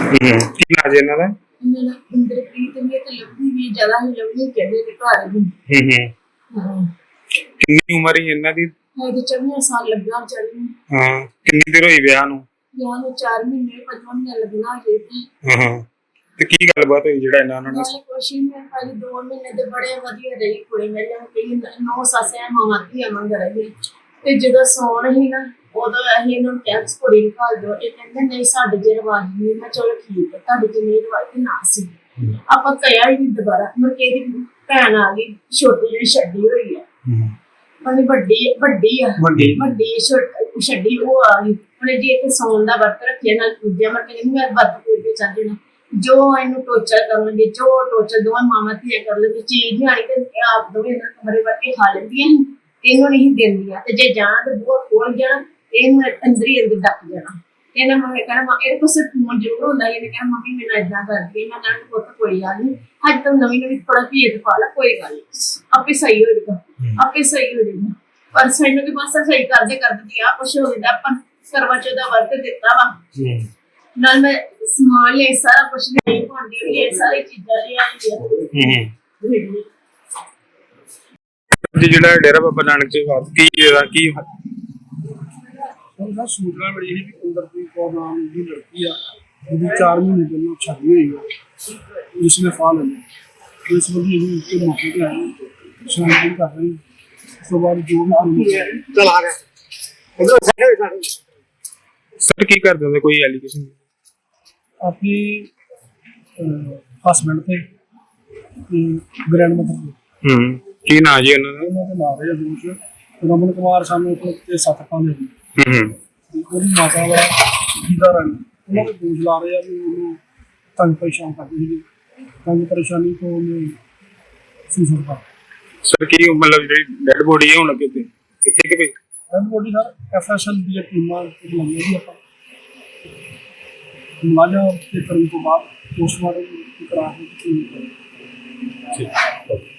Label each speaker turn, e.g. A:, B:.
A: ਕੀ ਨਾਂ ਜੀ ਇਹਨਾਂ ਦਾ?
B: ਮੇਰਾ ਇੰਦਰਪ੍ਰੀਤ ਵੀ ਤੇ ਲੱਭੀ ਵੀ ਜ਼ਿਆਦਾ ਹੀ ਲੱਭੀ ਕਹਿੰਦੇ ਨੇ ਘਰ ਵੀ। ਹਾਂ
A: ਕਿੰਨੀ ਉਮਰ ਹੈ ਇਹਨਾਂ ਦੀ?
B: ਤੇ 24 ਸਾਲ ਲੱਗਾ ਵਿਚਾਰੀ ਨੂੰ।
A: ਹਾਂ ਕਿੰਨੀ ਦੇਰ ਹੋਈ ਵਿਆਹ ਨੂੰ?
B: ਵਿਆਹ ਨੂੰ 4 ਮਹੀਨੇ 5 ਮਹੀਨੇ ਲੱਗਣਾ ਜੇ ਤੀ।
A: ਤੇ ਕੀ ਗੱਲਬਾਤ ਹੋਈ ਜਿਹੜਾ ਇਹਨਾਂ ਨੇ?
B: ਕੁਛ ਨਹੀਂ, ਪਹਿਲੇ 2 ਮਹੀਨੇ ਦੇ ਬੜੇ ਵਧੀਆ ਰਹੀ ਕੁੜੀ ਮੇਰੇ ਨਾਲ, ਕਈ 9 ਸੱਸਿਆਂ ਮਾਵਾਂ ਧੀਆਂ ਮੰਗ ਰਹੀ ਤੇ ਜਦੋਂ ਸੌਣ ਹੀ ਨਾ ਉਦੋਂ ਅਸੀਂ ਇਹਨੂੰ ਟੈਕਸ ਕੁੜੀ ਨੂੰ ਘੱਲ ਦਿਓ। ਇਹ ਕਹਿੰਦੇ ਨਹੀਂ ਸਾਡੇ ਜੇ ਰਿਵਾਜ਼ ਨਹੀਂ। ਮੈਂ ਚਲੋ ਠੀਕ ਹੈ, ਤੁਹਾਡੇ ਜੇ ਨਹੀਂ ਰਿਵਾਜ਼ ਤੇ ਨਾ ਸੀ। ਆਪਾਂ ਕਹਿਆ ਹੀ ਦੁਬਾਰਾ। ਮੁੜ ਕੇ ਇਹਦੀ ਭੈਣ ਆ ਗਈ ਛੋਟੀ ਜਿਹੜੀ ਛੱਡੀ ਹੋਈ ਹੈ, ਉਹਨੇ ਵੱਡੀ ਛੱਡੀ ਉਹ ਆ ਗਈ। ਉਹਨੇ ਜੇ ਇੱਕ ਸੌਣ ਦਾ ਵਰਤ ਰੱਖਿਆ ਨਾਲ ਪੂਜਿਆ। ਮੈਂ ਕਹਿੰਦੀ ਮੈਂ ਵਰਤ ਪੂਜ ਕੇ ਚੱਲ ਜਾਣਾ। ਜੋ ਇਹਨੂੰ ਟੋਚਰ ਕਰਨਗੇ, ਜੋ ਟੋਚਰ ਦੋਵਾਂ ਮਾਵਾਂ ਧੀਆਂ ਕਰ ਲੈਂਦੀ ਚੀਜ਼ ਨਹੀਂ ਆਣੀ ਤੇ ਆਪ ਦੋਵੇਂ ਇਹਨਾਂ ਕਮਰੇ ਵੜ ਕੇ ਖਾ ਲੈਂਦੀਆਂ ਸੀ। ਇਹਨੂੰ ਨਹੀਂ ਦਿੰਦੀਆਂ ਤੇ ਜੇ ਜਾਣ ਤੇ ਬੂਹਾ ਖੋਲ ਜਾਣਾ ਇਹਨੂੰ ਅੰਦਰ ਹੀ ਅੰਦਰ ਡੱਕ ਜਾਣਾ। ਇਹਨਾਂ ਮੰਮੀ ਕਹਿਣਾ ਇਹਦੇ ਕੋਲ ਸਿਰਫ ਫੋਨ ਜ਼ਰੂਰ ਹੁੰਦਾ। ਇਹਨੇ ਕਹਿਣਾ ਮੰਮੀ ਮੈਨੂੰ ਏਦਾਂ ਕਰਦੀ। ਮੈਂ ਕਹਿਣਾ ਪੁੱਤ ਕੋਈ ਗੱਲ ਨਹੀਂ, ਅੱਜ ਤੋਂ ਨਵੀਂ ਥੋੜਾ ਭੇਦ ਪਾ ਲਾ, ਕੋਈ ਗੱਲ ਨਹੀਂ, ਆਪੇ ਸਹੀ ਹੋ ਜਾਏਗਾ, ਆਪੇ ਸਹੀ ਹੋ ਜਾਏਗਾ। ਪਰ ਸਾਨੂੰ ਵੀ ਬਸ ਸਹੀ ਕਰਦੇ ਆ ਕੁਛ ਹੋ ਜਾਂਦਾ। ਆਪਾਂ ਕਰਵਾ ਚੌਥ ਦਾ ਵਰਤ ਦਿੱਤਾ ਵਾ, ਨਾਲ ਮੈਂ ਸਮਾਨ ਲਿਆ ਸਾਰਾ ਕੁਛ ਨਹੀਂ ਭਾਂਡੇ ਲਿਆ ਸਾਰੀ ਚੀਜ਼ਾਂ ਲਿਆਈਆਂ।
A: ਜਿਹੜਾ ਡੇਰਾ ਬਾਬਾ ਨਾਨਕ ਦੇ ਬਾਅਦ ਕੀ
C: ਉਹਦਾ ਸੂਚਨਾ ਮਿਲੀ ਸੀ ਕਿ ਇੰਦਰਪ੍ਰੀਤ ਕੌਰ ਨਾਮ ਦੀ ਲੜਕੀ ਆ, ਜਿਹਦੀ 4 ਮਹੀਨੇ ਪਹਿਲਾਂ ਛਾਤੀ ਹੋਈ ਆ, ਜਿਸਨੇ ਫਾਹ ਲੈ ਲਿਆ। ਇਸ ਵਜ੍ਹਾ ਅਸੀਂ उसके मौके पे आए, छानबीन कर रहे हैं। ਉਸ ਤੋਂ ਬਾਅਦ ਜੋ ਵੀ
A: ਚਲ ਆ ਗਿਆ ਸਰ ਕੀ ਕਰਦੇ ਹੁੰਦੇ? ਕੋਈ ਐਲੀਗੇਸ਼ਨ
C: ਆਪਣੀ ਹਸਬੈਂਡ ਤੇ ਗ੍ਰੈਂਡ ਮਦਰ ਤੇ
A: ਕੀ ਨਾਂ ਜੀ ਉਹਨਾਂ ਦਾ?
C: ਉਹਨਾਂ ਦੇ ਨਾਂ ਰਹੇ ਦੋਸ਼ ਰਮਨ ਕੁਮਾਰ ਸਾਨੂੰ ਤੇ 7 ਪਾਉਂਦੇ ਸੀ। ਉਹਦੀ ਮਾਤਾ ਵਾ ਜੀਦਾ ਰਾਣੀ, ਉਹਨਾਂ ਦੇ ਦੋਸ਼ ਲਾ ਰਹੇ ਆ ਵੀ ਉਹਨੂੰ ਤੰਗ ਪਰੇਸ਼ਾਨ ਕਰਦੀ ਸੀ। ਤੰਗ ਪਰੇਸ਼ਾਨੀ ਤੋਂ ਉਹਨੇ ਸੁਸਾਈਡ ਕਰ।
A: ਸਰ ਕੀ ਮਤਲਬ ਜਿਹੜੀ ਡੈਡ ਬੋਡੀ ਹੈ ਹੁਣ ਕਿਤੇ ਕਿ ਵੀ
C: ਡੈਡ ਬੋਡੀ ਸਰ ਐਫਐਸਐਲ ਦੀਆਂ ਟੀਮਾਂ ਲਾਈਆਂ ਜੀ ਆਪਾਂ ਮੁਲਾਜ਼ਮ ਤੇ ਕਰਨ ਤੋਂ ਬਾਅਦ ਪੋਸਟਮਾਰਟਮ ਕਰਾ ਕੇ